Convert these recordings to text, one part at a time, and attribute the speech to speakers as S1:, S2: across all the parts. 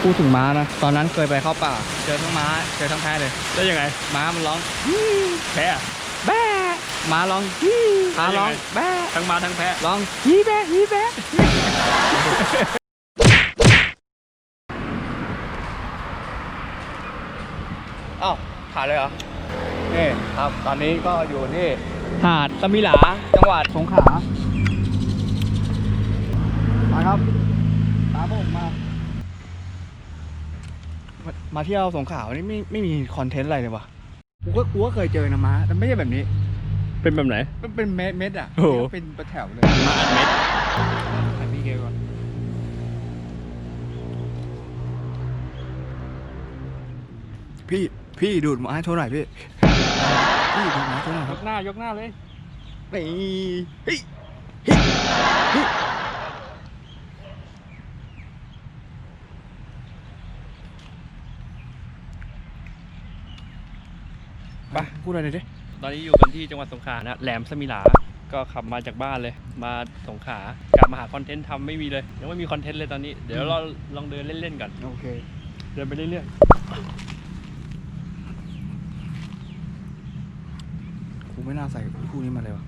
S1: พูดถึงม้านะตอนนั้นเคยไปเข้าป่าเจอทั้งม้าเจอทั้งแพะเลยแล้วยังไงม้ามันร้องแพะแบ๊ะม้าร้องม้าร้องแบ๊ะทั้งม้าทั้งแพะร้องฮีแบ๊ะฮีแบ๊ะอ้าวถ่ายเลยเหรอนี่ครับตอนนี้ก็อยู่ที่หาดสมิหลาจังหวัดสงขลามาครับตามผมมาเที่ยวสงขลานี่ไม่มีคอนเทนต์อะไรเลยวะกูก็เคยเจอนะม้าแต่ไม่ใช่แบบนี้
S2: เป็นแบบไหน
S1: เป็นเม็ดอ่ะ
S2: โอ้โห
S1: เป็นแถวเลย
S2: มาอัดเม็ด
S1: อันนี้เกก่อนพี่ดูดม้าโชว์หน่อยพี่ดูดม้าโชว์หน่อยค
S2: ย
S1: รับ
S2: กหน้าเลย
S1: นี่เฮ้ยไปพูดอะไรดิ
S2: ตอนนี้อยู่กันที่จังหวัดสงขลานะแหลมสมิหลาก็ขับมาจากบ้านเลยมาสงขลากลับมาหาคอนเทนต์ทำไม่มีเลยยังไม่มีคอนเทนต์เลยตอนนี้เดี๋ยวเราลองเดินเล่นๆก่อน
S1: โอเค
S2: เดินไปเรื่อย
S1: กูไม่น่าใส่คู่นี้มาเลยวะ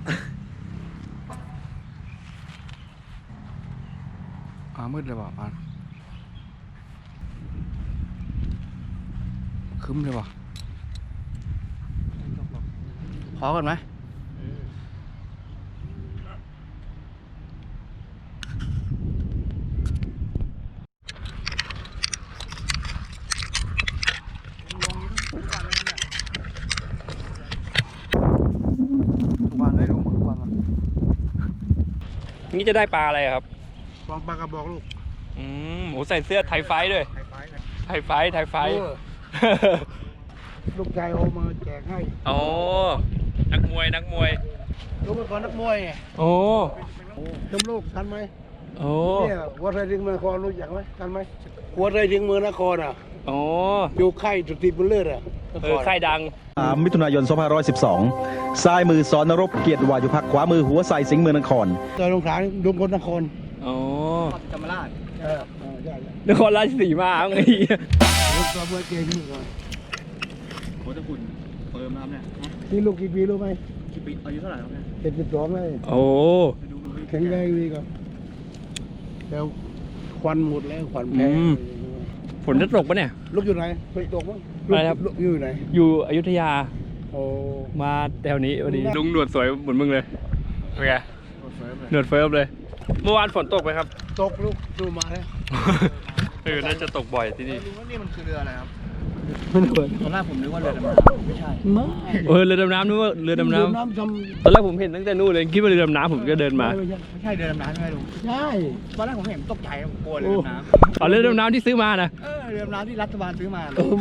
S1: มืดเลยว่ะปานคึ้มเลยว่ะพอกันไหมทุกวันได้ลงทุกวัน
S2: ๆนี่จะได้ปลาอะไรครับ
S3: วางปลากระบอกลูก
S2: หมูใส่เสื้อไทยไฟด้วย ไทยไฟ
S3: ลูกชายโอมาแจกให้
S2: อ๋อนักมวย
S3: ลูกเป็นคนนักมวยไง
S2: โอ้
S3: จำลูกทันไหม
S2: โอ้
S3: เนี่ยวัดไรถึงเมืองนครรู้จักไหมทันไหมวัดไรถึงเมืองนครอ่ะ
S2: โอ้
S3: อยู่ค่ายสุติบุญเลิศอ่ะ
S2: ค่ายดัง
S4: 3 มิถุนายน 2512 ซ้ายมือสอนนรบเกียรติวายุพักขวามือหัวใส่สิงห์เมืองนคร
S3: ตอนลงขลาลุงคนนคร
S2: อ๋อ
S1: จำมาลาด
S3: ใช่
S2: นครราชสีมาไง
S3: ลูกตัวเบอร์เก่งนี่ก่อน
S1: โคตรคุณเปิมน้ำเนี่ย
S3: นี่ลูกกี่ปีรู้ไหม
S1: กี่ปีอายุเท่าไหร่ครับเนี่ย
S3: 72เลย
S2: โอ้
S3: แข็งแรงดีครับแล้วควันหมดแล้วควันแพ้
S2: ฝนจะตกปะเนี่ย
S3: ลูกอยู่ไหนฝนตกมั้ง
S2: อะไรครับ
S3: ลูกอยู่ไหน
S2: อยู่อยุธยา
S3: โอ้
S2: มาแถวนี้พอดีลุงหนวดสวยเหมือนมึงเลยเป็นไงหนวดเฟิร์มเลย เมื่อวานฝนตกไหมครับ
S3: ตกลูกดูมาแล้ว
S2: น่าจะตกบ่อยที่นี่
S1: ลุงว่านี่มันคือเรืออะไรครับ
S3: ไม่เหมือน
S1: ตอนแรกผมนึกว่าเรือดำน้ำไม่ใช่
S3: ไม่
S2: เรือดำน้ำนึกว่าเรือดำน้
S3: น้ำท
S2: ำตอนแรกผมเห็นตั้งแต่นู่นเลยคิดว่าเรือดำน้ำผมก็เดิน
S3: ำ
S2: มา
S3: ไม่ใช่
S1: ไม่ใช่เรือดำน้ำใช่ไหมลุง
S3: ใช่
S1: ตอนแรกผมเห็นตกใจผมกลัวเรือดำน้
S2: อ๋อเรือดำน้ำที่ซื้อมานะ
S1: ำเรือดำน้ำที่รัฐบาลซื้อมา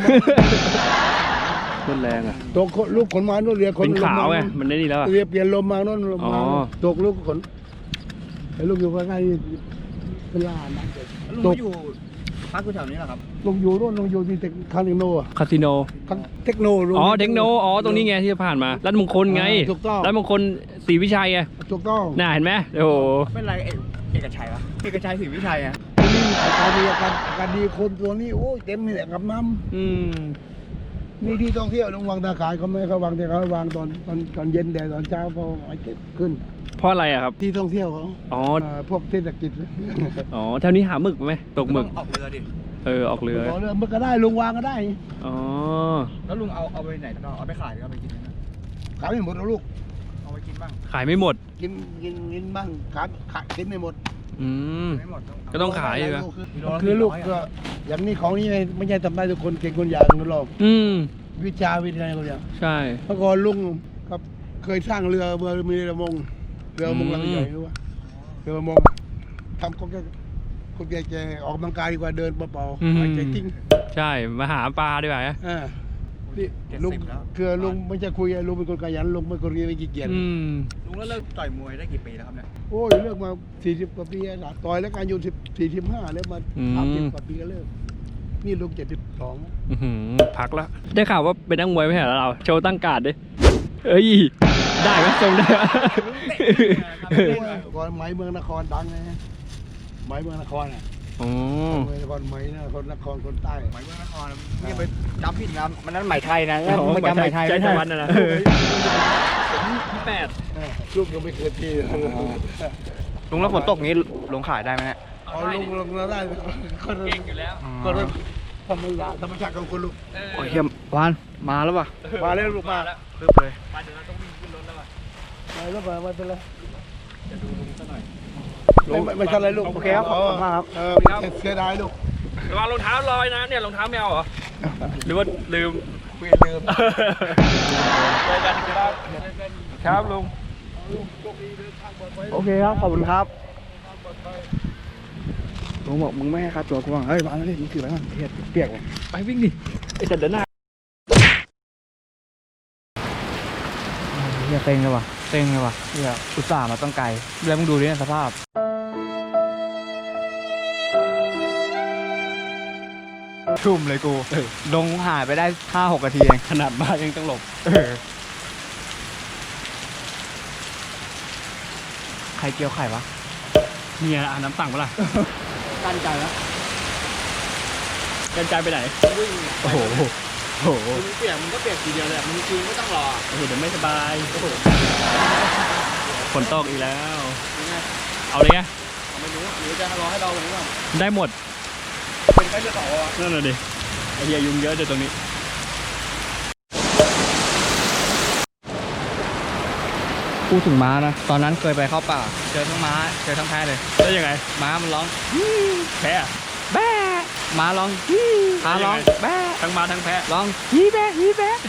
S2: ต้นแรงอ่ะ
S3: ตกลูกขนมาโน่นเรือขน
S2: เป็นขาวไง
S3: ลม
S2: มันได้ดีแล้วอะ
S3: เรือเปลี่ยนลมมาโน่นลมมา
S2: อ๋อ
S3: ตกลูกขนไอ้ลูกอยู่ข้างในนี่เป็นล้านนะ
S1: ลุงก็อยู่พักอยู่แถวนี้เหรอครับ
S3: ลงอยู่โน่นลงอยู่ที่เทคคาสิโนอะ
S2: คาสิโน
S3: เทคโนลุง
S2: อ๋อเทคโนอ๋อตรงนี้ไงที่ผ่านมารัฐมงคลไง
S3: ถูกต้อง
S2: รัฐมงคลศรีวิชัยไง
S3: ถูกต้อง
S2: น่าเห็นไหมโอ้โห
S1: เป็นไรเอกชัยวะเอกชัยศรีวิชัยอ่ะ
S3: นี่อาการดีอาการดีคนตัวนี้โอ้ยเต็มเลยแหละกับน้
S2: อืม
S3: ำนี่ที่ท่องเที่ยวลงวางตาขายเขาไม่เขาวางแต่เขาวางตอนเย็นแต่ตอนเช้าพอไอ้เก็บขึ้น
S2: เพราะอะไรอะครับ
S3: ที่ท่องเที่ยวเขา
S2: อ๋อ
S3: พวกเทศกิจ
S2: อ๋อแถวนี้หาหมึกไหมตกหมึก
S1: ออกเรือดิ
S2: ออกเรือ
S3: ขอเรือมันก็ได้ลุงวางก็ได้
S2: อ๋อ
S1: แล้วลุงเอาไปไหนก็เอาไปขายหรือเอาไปกินนะ
S3: ขายไม่หมดหรอกลูก
S1: เอาไปกินบ้าง
S2: ขายไม่หมด
S3: กินบ้างขายกินไม่หมด
S2: อืม
S1: ไม่หมด
S2: ก็ต้องขายอยู่นะ
S3: คือลูกก็อย่างนี้ของนี้ไม่ใช่ทำได้ทุกคนเก่งคนอย่างนะหรอก
S2: อืม
S3: วิชาวิทยาคนอย่าง
S2: ใช่
S3: เมื่อก่อนลุงครับเคยสร้างเรือมีเรือประมงลำใหญ่รู้ป่ะเรือประมงทำคนแก่ๆออกกำลังกายดีกว่าเดินเปล่าๆหายใจจริง
S2: ใช่มาหาปลาดีกว่านะ
S3: นี่ลุงคือลุงไม่ใช่คุยลุงเป็นคนขยันลุงเป็นคนไม่ขี้เกียจ
S2: อืม
S1: ลุงแล้วเลิกต่อยมวยได้กี่ปีแล้วครับเนี่ย
S3: โอ้ยเลิกมา40กว่าปีแล้วต่อยแล้วการอายุ45แล้วมา30กว่าปีก็เลิกนี่ลุง72
S2: อื้อหือพักแล้ว ได้ข่าวว่าเป็นนักมวยไม่ใช่เหรอเรา โชว์ตั้งการ์ดดิเอ้ย ได้ไหมทรงได้ไหม
S3: ก่อนไหมเมืองนครดังไงไหมเมืองนครอ่ะ
S1: โอ้
S3: ไม่ใช่คนไหมนะคนนครคนใต้
S1: ไหมเมืองนครนี่ไปจำผิดนะมันนั้นไหมไทยนะ
S2: โอ้
S1: ไม่จำไหมไทย
S2: ใจ
S1: ไม่
S2: ตะ
S1: ใช่
S2: วันนะนะที่8
S3: ลูกยังไม่เคยที
S1: ลุงแล้วฝนตกงี้ลงขายได้ไหมเนี่ย
S3: เอาลงเราได้คน
S2: เก่งอยู่แล้ว
S3: คนธรรมชาติของคนลูก
S1: โอ้ยเฮียวานมาแล้วป่ะ
S3: มาแล้วลูกมา
S2: แล้ว
S1: เพิ่มเลย
S2: มาเดี๋ยวเราต้องวิ่งขึ้นรถแล้วอ่ะ
S3: มาแล้วมาเป็นไร
S2: จะดูลุงซะหน่อย
S3: ไม่ใช่อะไรลูก
S1: โอเคครับขอบคุณมากครับ
S3: เสียดายลูก
S2: ระวังรองเท้าลอยนะเนี่ยรองเท้าแมวเหรอหรือว่าลืม
S3: เปลี่ยนเดิม
S2: เจอกันครับครับลุง
S1: โอเคครับขอบคุณครับลุงบอกมึงไม่ให้ค่าตัวกูบ้างเฮ้ยมาแล้วนี่มึงถือไปบ้างเปียกเลย
S2: ไปวิ่งดิไอ้จัดเดินหน้า
S1: เฮียเต็งเลยว่ะเต็งเลยว่ะเฮียอุตส่าห์มาตั้งไกลแล้วมึงดูดิสภาพชุ่มเลยกูลงหายไปได้ 5-6 นาทีเอง
S2: ขนาดมายังต้องหลบ
S1: ใครเกี่ยวไข่วะ
S2: เนี่ยอ่านน้ำสั่งปะล่ะ
S1: กั้นใจแล้ว
S2: กันใจไปไหน
S1: โอ้โหโอ้โห
S2: มึงเปียกมึงก็เปียกทีเดียวเลยมึงคืนไม่ต้องรอโอ้โหเดี๋ยวไม่สบายฝนตกอีกแล้ว เอาเลยไง
S1: ไม่รู้หรือจะรอให้เราหรือเปล่า
S2: ได้หมด
S1: เป็นแค่จะต่อวะ
S2: นั่นน่ะดิไอ้เหี้ยยุงเยอะเดี๋ยวตรงนี้
S1: พูดถึงม้านะตอนนั้นเคยไปเข้าป่าเจอทั้งม้าเจอทั้งแพะเลย
S2: แล้วยังไง
S1: ม้ามันร้อง
S2: แพ้อะ
S1: แบ๊ะม้าร้องม้าร้องแบ๊ะ
S2: ทั้งมาทั้งแพ้
S1: ร้องฮีแบ๊ะฮีแบ๊ะ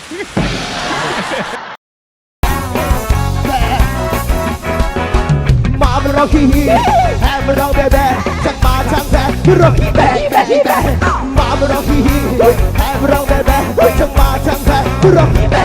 S5: มามันร้องฮีฮีแฮมมันร้องแบแบช่างมาช่างแพ้ร้องฮีแบแบแบมามันร้องฮีฮีแฮมมันร้องแบแบช่างมาช่างแพ้ร้องฮีแบ